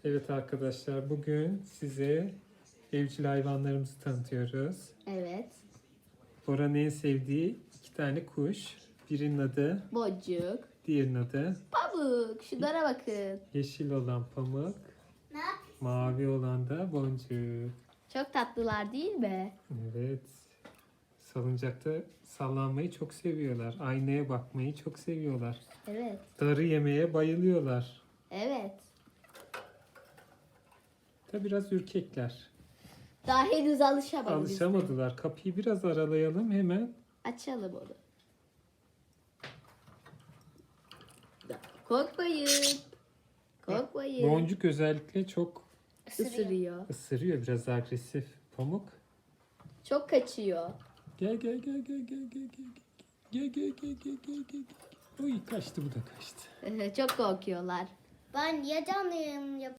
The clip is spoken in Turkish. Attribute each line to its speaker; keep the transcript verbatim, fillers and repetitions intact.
Speaker 1: Evet arkadaşlar, bugün size evcil hayvanlarımızı tanıtıyoruz.
Speaker 2: Evet.
Speaker 1: Bora'nın en sevdiği iki tane kuş. Birinin adı,
Speaker 2: Boncuk.
Speaker 1: diğerinin adı.
Speaker 2: Pamuk. Şunlara bakın.
Speaker 1: Yeşil olan Pamuk, mavi olan da Boncuk.
Speaker 2: Çok tatlılar değil mi?
Speaker 1: Evet. Salıncakta sallanmayı çok seviyorlar. Aynaya bakmayı çok seviyorlar.
Speaker 2: Evet.
Speaker 1: Darı yemeye bayılıyorlar.
Speaker 2: Evet.
Speaker 1: Da biraz ürkekler.
Speaker 2: Daha henüz alışamadık. biz.
Speaker 1: Alışamadılar. Kapıyı biraz aralayalım hemen.
Speaker 2: Açalım onu. Korkmayın. Korkmayın.
Speaker 1: Boncuk özellikle çok
Speaker 2: Isırıyor.
Speaker 1: ısırıyor, biraz agresif. Pamuk.
Speaker 2: Çok kaçıyor.
Speaker 1: Gel gel gel gel gel gel gel. Gel gel gel gel gel gel. Oy kaçtı, bu da kaçtı.
Speaker 2: Çok korkuyorlar.
Speaker 3: Ben ya canlıyım ya